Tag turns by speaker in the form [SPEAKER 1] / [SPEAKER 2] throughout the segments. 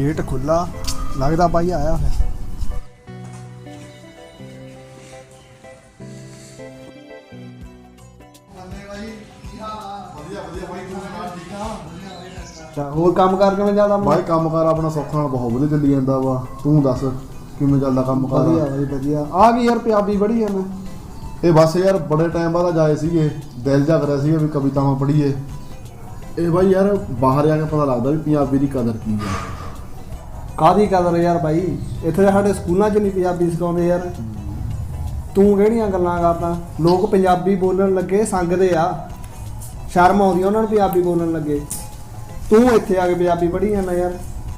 [SPEAKER 1] Gate खुला लगता भाई आया फिर।
[SPEAKER 2] ਹੋਰ ਕੰਮ ਕਰ ਕਿਵੇਂ ਚੱਲਦਾ
[SPEAKER 1] भाई काम कार अपना सौखा नाल बहुत वधिया चली जांदा वा। तू दस किवें ਚੱਲਦਾ ਕੰਮ ਕਾਰ?
[SPEAKER 2] ਵਧੀਆ ਬਾਈ ਵਧੀਆ। ਆ ਗਈ ਯਾਰ ਪੰਜਾਬੀ ਪੜ੍ਹੀ ਆ ਮੈਂ।
[SPEAKER 1] ਇਹ ਬਸ ਯਾਰ ਬੜੇ ਟਾਈਮ ਬਾਅਦ ਜਾਏ ਸੀਗੇ, ਦਿਲ ਜਾ ਕਰਿਆ ਸੀਗਾ ਵੀ ਕਵਿਤਾਵਾਂ ਪੜ੍ਹੀਏ। ਇਹ ਬਾਈ ਯਾਰ ਬਾਹਰ ਜਾ ਕੇ ਪਤਾ ਲੱਗਦਾ ਵੀ ਪੰਜਾਬੀ ਦੀ ਕਦਰ ਕੀ ਹੈ।
[SPEAKER 2] ਕਾਹਦੀ ਕਦਰ ਯਾਰ ਬਾਈ, ਇੱਥੇ ਸਾਡੇ ਸਕੂਲਾਂ 'ਚ ਨਹੀਂ ਪੰਜਾਬੀ ਸਿਖਾਉਂਦੇ ਯਾਰ। ਤੂੰ ਕਿਹੜੀਆਂ ਗੱਲਾਂ ਕਰਦਾ? ਲੋਕ ਪੰਜਾਬੀ ਬੋਲਣ ਲੱਗੇ ਸੰਗਦੇ ਆ, ਸ਼ਰਮ ਆਉਂਦੀ ਉਹਨਾਂ ਨੂੰ ਪੰਜਾਬੀ ਬੋਲਣ ਲੱਗੇ। ਤੂੰ ਇੱਥੇ ਆ ਕੇ ਪੰਜਾਬੀ ਪੜ੍ਹੀ ਜਾਂਦਾ ਯਾਰ।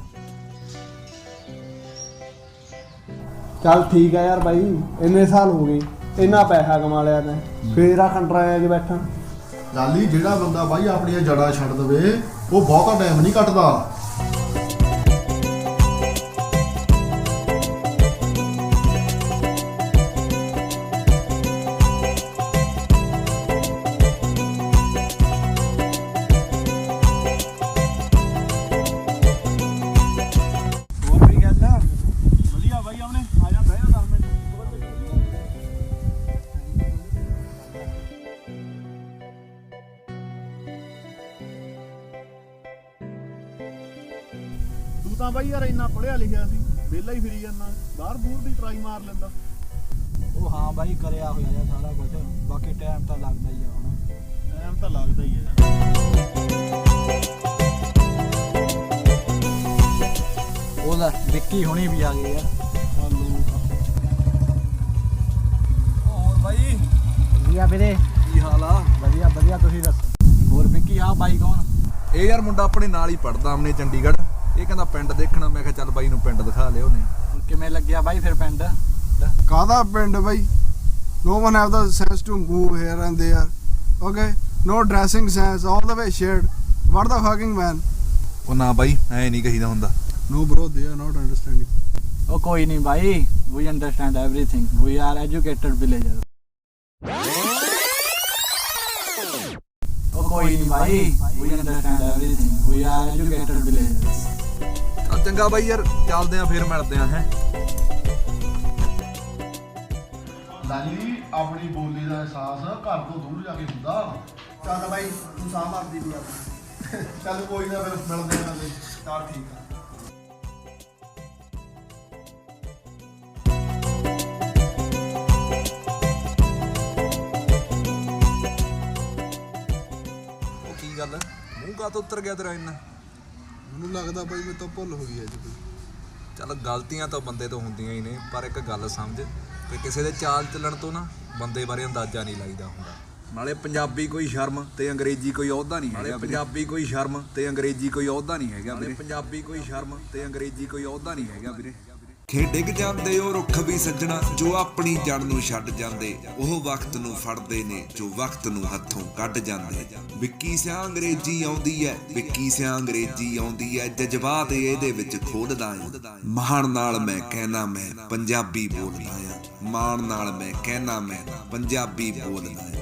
[SPEAKER 2] ਚੱਲ ਠੀਕ ਆ ਯਾਰ ਬਾਈ, ਇੰਨੇ ਸਾਲ ਹੋ ਗਏ, ਇੰਨਾ ਪੈਸਾ ਕਮਾ ਲਿਆ ਤੈਂ, ਫੇਰ ਆ ਖੰਡਰਾਂ 'ਚ ਬੈਠਾ।
[SPEAKER 1] ਲਾਲੀ ਜਿਹੜਾ ਬੰਦਾ ਬਾਈ ਆਪਣੀਆਂ ਜੜ੍ਹਾਂ ਛੱਡ ਦਵੇ ਉਹ ਬਹੁਤਾ ਟਾਈਮ ਨਹੀਂ ਕੱਟਦਾ।
[SPEAKER 3] ਤਾਂ ਬਾਈ ਯਾਰ ਇੰਨਾ ਪੜ੍ਹਿਆ ਲਿਖਿਆ ਸੀ, ਵਿਹਲਾ ਹੀ ਫਿਰੀ ਜਾਂਦਾ, ਬਾਹਰ ਬੂਰ ਦੀ ਟਰਾਈ ਮਾਰ ਲੈਂਦਾ।
[SPEAKER 4] ਉਹ ਹਾਂ ਬਾਈ ਕਰਿਆ ਹੋਇਆ ਜਾਂ ਸਾਰਾ ਕੁਝ, ਬਾਕੀ ਟਾਈਮ ਤਾਂ ਲੱਗਦਾ ਹੀ ਆ। ਹੁਣ
[SPEAKER 3] ਟਾਈਮ ਤਾਂ ਲੱਗਦਾ ਹੀ ਹੈ।
[SPEAKER 4] ਉਹ ਲੈ ਵਿੱਕੀ ਹੁਣੀ ਵੀ ਆ ਗਏ ਯਾਰ। ਹੋਰ ਬਾਈ
[SPEAKER 2] ਵਧੀਆ ਵੀਰੇ,
[SPEAKER 4] ਕੀ ਹਾਲ ਆ?
[SPEAKER 2] ਵਧੀਆ ਵਧੀਆ, ਤੁਸੀਂ ਦੱਸੋ।
[SPEAKER 4] ਹੋਰ ਵਿੱਕੀ ਆ ਬਾਈ ਕੌਣ?
[SPEAKER 5] ਇਹ ਯਾਰ ਮੁੰਡਾ ਆਪਣੇ ਨਾਲ ਹੀ ਪੜਦਾ ਆਪਣੇ ਚੰਡੀਗੜ੍ਹ। ਇਹ ਕਹਿੰਦਾ ਪਿੰਡ ਦੇਖਣਾ, ਮੈਂ ਕਿਹਾ ਚੱਲ ਬਾਈ ਨੂੰ ਪਿੰਡ ਦਿਖਾ ਲਿਓ ਨੇ।
[SPEAKER 4] ਹੁਣ ਕਿਵੇਂ ਲੱਗਿਆ ਬਾਈ ਫਿਰ ਪਿੰਡ?
[SPEAKER 2] ਕਾਹਦਾ ਪਿੰਡ ਬਾਈ? No one have the sense to move here and there. Okay? No dressing sense, all the way shared. What the fucking man?
[SPEAKER 5] ਉਹ ਨਾ ਬਾਈ ਐ ਨਹੀਂ ਕਹੀਦਾ ਹੁੰਦਾ।
[SPEAKER 2] No bro, they are not understanding.
[SPEAKER 4] ਉਹ ਕੋਈ ਨਹੀਂ ਬਾਈ, we understand everything. We are educated villagers. ਉਹ ਕੋਈ ਨਹੀਂ ਬਾਈ, we understand everything. We are educated villagers.
[SPEAKER 5] ਚੱਲ ਚੰਗਾ ਬਾਈ ਯਾਰ, ਚੱਲਦੇ ਆਂ ਫੇਰ ਮਿਲਦੇ ਆਂ ਹੈ।
[SPEAKER 1] ਲਾਲੀ ਆਪਣੀ ਬੋਲੀ ਦਾ ਅਹਿਸਾਸ ਘਰ ਤੋਂ ਦੂਰ ਜਾ ਕੇ ਹੁੰਦਾ।
[SPEAKER 2] ਚੱਲ ਬਾਈ, ਤੂੰ ਸਾਹ ਮਾਰਦੀ ਵੀ ਆ।
[SPEAKER 1] ਚੱਲ ਕੋਈ ਨਾ ਫਿਰ ਮਿਲਦੇ ਆਂ ਤੇ।
[SPEAKER 2] ਚੱਲ ਠੀਕ ਆ।
[SPEAKER 5] ਉਹ ਕੀ ਗੱਲ, ਮੂੰਹ ਕਾਹ ਤੋਂ ਉੱਤਰ ਗਿਆ ਤੇਰਾ ਇੰਨਾ?
[SPEAKER 1] ਮੈਨੂੰ ਲੱਗਦਾ ਬਾਈ ਮੇਰੇ ਤੋਂ ਭੁੱਲ ਹੋ ਗਈ ਅੱਜ ਕੋਈ।
[SPEAKER 5] ਚੱਲ ਗਲਤੀਆਂ ਤਾਂ ਬੰਦੇ ਤੋਂ ਹੁੰਦੀਆਂ ਹੀ ਨੇ, ਪਰ ਇੱਕ ਗੱਲ ਸਮਝ ਕਿ ਕਿਸੇ ਦੇ ਚਾਲ ਚੱਲਣ ਤੋਂ ਨਾ ਬੰਦੇ ਬਾਰੇ ਅੰਦਾਜ਼ਾ ਨਹੀਂ ਲਾਈਦਾ ਹੁੰਦਾ। ਨਾਲੇ ਪੰਜਾਬੀ ਕੋਈ ਸ਼ਰਮ ਤੇ ਅੰਗਰੇਜ਼ੀ ਕੋਈ ਅਹੁਦਾ ਨਹੀਂ ਹੈਗਾ। ਪੰਜਾਬੀ ਕੋਈ ਸ਼ਰਮ ਤੇ ਅੰਗਰੇਜ਼ੀ ਕੋਈ ਅਹੁਦਾ ਨਹੀਂ ਹੈਗਾ ਵੀਰੇ। ਪੰਜਾਬੀ ਕੋਈ ਸ਼ਰਮ ਤੇ ਅੰਗਰੇਜ਼ੀ ਕੋਈ ਅਹੁਦਾ ਨਹੀਂ ਹੈਗਾ ਵੀਰੇ।
[SPEAKER 6] ਖੇ ਡਿੱਗ ਜਾਂਦੇ ਉਹ ਰੁੱਖ ਵੀ ਸੱਜਣਾ, ਜੋ ਆਪਣੀ ਜੜ ਨੂੰ ਛੱਡ ਜਾਂਦੇ, ਉਹ ਵਕਤ ਨੂੰ ਫੜਦੇ ਨੇ ਜੋ ਵਕਤ ਨੂੰ ਹੱਥੋਂ ਕੱਢ ਜਾਂਦੇ। ਵਿੱਕੀ ਸਿਆਂ ਅੰਗਰੇਜ਼ੀ ਆਉਂਦੀ ਐ, ਵਿੱਕੀ ਸਿਆਂ ਅੰਗਰੇਜ਼ੀ ਆਉਂਦੀ ਐ, ਜਜ਼ਬਾਤ ਇਹਦੇ ਵਿੱਚ ਖੋਲਦਾ ਆਂ। ਮਾਣ ਨਾਲ ਮੈਂ ਕਹਿਣਾ ਮੈਂ ਪੰਜਾਬੀ ਬੋਲਦਾ ਆਂ, ਮਾਣ ਨਾਲ ਮੈਂ ਕਹਿਣਾ ਮੈਂ ਪੰਜਾਬੀ ਬੋਲਦਾ ਆਂ।